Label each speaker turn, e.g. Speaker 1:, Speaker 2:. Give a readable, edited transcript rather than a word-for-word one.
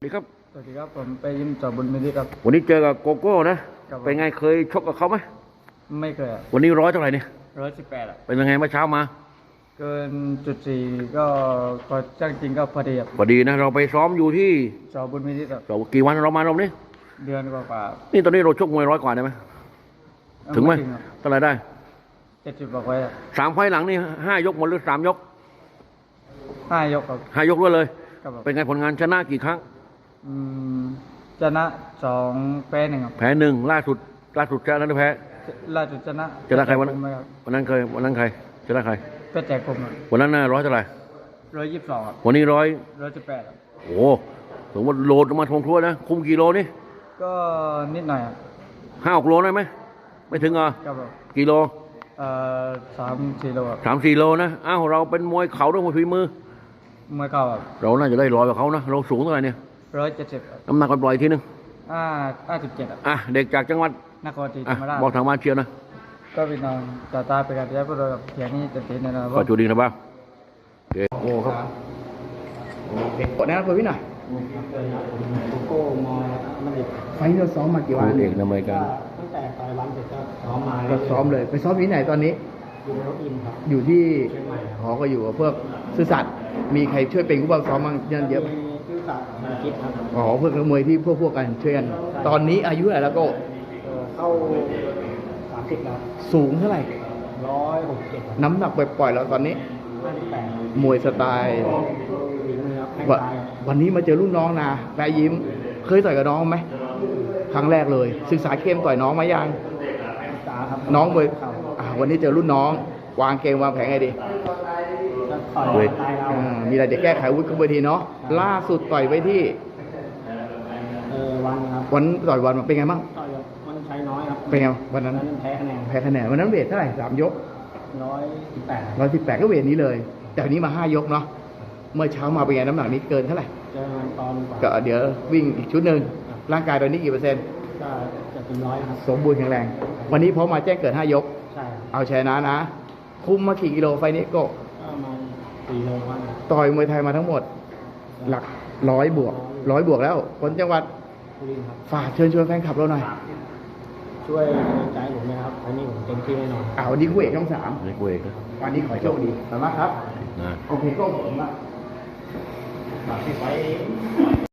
Speaker 1: ดีครับ
Speaker 2: สวัสดีครับผมไปยิมจอบุญมิตรครับ
Speaker 1: วันนี้เจอกับโกโก้นะครับเป็นไงเคยชกกับเขาไหม
Speaker 2: ไม่เคย
Speaker 1: วันนี้ร้อยเท่าไหร่เนี่ย
Speaker 2: 118
Speaker 1: เป็นยังไงเมื่อเช้ามา
Speaker 2: เกินจุด 4ก็จ้างจริงก็พอดีครับ
Speaker 1: พอดีนะเราไปซ้อมอยู่ที่
Speaker 2: จอบุญมิตรครับ
Speaker 1: เรากี่วันเรามารอบนี้
Speaker 2: เดือนกว่า
Speaker 1: นี่ตอนนี้เราชกมวยร้อยกว่าได้ไหมถึงไหมเท่าไหร่ได้
Speaker 2: 70บอกไว้
Speaker 1: 3 ไฟล์หลังนี่5 ยกหมดหรือ3 ยก
Speaker 2: 5 ยกครับ
Speaker 1: 5 ยกด้วยเลย
Speaker 2: ครับ
Speaker 1: เป็นไงผลงานชนะกี่ครั้ง
Speaker 2: ชนะ2แพ้1ครับ
Speaker 1: แพ้1ล่าสุดชนะหรือแพ้
Speaker 2: ล่าสุดชนะ
Speaker 1: ใครวันนั้นใครชนะใคร
Speaker 2: ก็แจกผม
Speaker 1: วันนั้นร้อยเท่าไหร่
Speaker 2: 122ครับ
Speaker 1: วันนี้
Speaker 2: 118ครับ
Speaker 1: โอ้ถึงว่าโหลดมาทงทั่วนะคุมกิโลนี่
Speaker 2: ก็นิดหน่อยครับ
Speaker 1: 5-6 โลได้ไหมไม่ถึง
Speaker 2: ครับ
Speaker 1: กิโล
Speaker 2: 3-4 โลครับ
Speaker 1: 3-4 โลนะอ้าวเราเป็นมวยเข่าด้วยมวยฝีมือ
Speaker 2: มวยเข่าครับ
Speaker 1: เราน่าจะได้ร้อยกว่าเขานะเราสูงเท่าไหร่เนี่ย
Speaker 2: 170ครับ
Speaker 1: น้ำหนักปล่อยทีนึง
Speaker 2: 57ครับ
Speaker 1: เด็กจากจังหวัด
Speaker 2: นครศรีธรรมราช
Speaker 1: บอกทางบ้านเชียร์นะ
Speaker 2: ก็พี่น้องต่อตาไปกันแล้วพวกเราเขียนนี่จะติดในนะครับ
Speaker 1: ขอจูดีนะบ้างโอ้ครับ
Speaker 3: กดแนะนำตัวพี่หน่อย
Speaker 2: โก้มอมันดิ
Speaker 3: ไฟล์เราซ้อมมากี่วัน
Speaker 1: เอกในอเมริกัน
Speaker 2: ตั้งแต่ต่อยวันเสร็จก็ซ้อมมา
Speaker 3: ก็ซ้อมเลยไปซ้อมที่ไหนตอนนี้
Speaker 2: อยู่ในรถอินครับ
Speaker 3: อยู่ที่หอก็อยู่กับพวกซื่อสัตย์มีใครช่วยเป็นผู้บังซ้อมบ้างเยอะ
Speaker 2: ชื่อสัตว์มาคิดครับ
Speaker 3: อ๋อเพื่อนนักมวยที่พวกกันช่วยกันตอนนี้อายุเท่าไหร่แล้วก็
Speaker 2: เข้า30แล้ว
Speaker 3: สูงเท่าไหร่
Speaker 2: 167
Speaker 3: น้ำหนักปล่อยๆแล้วตอนนี้
Speaker 2: 58
Speaker 3: มวยสไตล์วันนี้มาเจอรุ่นน้องนะแปะยิ้มเคยต่อยกับน้องไหมครั้งแรกเลยศึกษาเกมต่อยน้องมายังน้องมวยวันนี้เจอรุ่นน้องวางเกมวางแผนไงดีมีอะไรจะแก้ไขวุฒิขึ้นเวทีเนาะล่าสุดต่อยไปที่
Speaker 2: วันครับ
Speaker 3: วันต่อยวันเป็นไงบ้าง
Speaker 2: มันใช้น้อยครับ
Speaker 3: เป็นไงวันนั้น
Speaker 2: แพ้คะแนน
Speaker 3: วันนั้นเวทเท่าไหร่3 ยก118ก็เวทนี้เลยแต่วันนี้มา5 ยกเนาะเมื่อเช้ามาเป็นไงน้ำหนักนี้เกินเท่าไหร่ก็เดี๋ยววิ่งอีกชุดหนึ่งร่างกายตอนนี้กี่เปอร์เซ็นต์
Speaker 2: ก็จะเป็น100ครับ
Speaker 3: สมบูรณ์แข็งแรงวันนี้พร้อมมาแจ้งเกิด5 ยก
Speaker 2: ใช่
Speaker 3: เอาชนะนะคุมมากี่กิโลไฟนี้ก็
Speaker 2: มา4 โลวัน
Speaker 3: ต่อยมวยไทยมาทั้งหมดหลัก100 บวกแล้วคนจังหวัดฝากเชิญชวนแฟนคลับเราหน่อย
Speaker 2: ช่วยใจผมนะครับวันนี้ผมเต็มที่แน่นอน
Speaker 3: วันนี้คู่เอกช่อง 3
Speaker 1: นี่คู่เอกนะ
Speaker 3: วันนี้ขอโชคดีสามารถครับโอเคก็ผม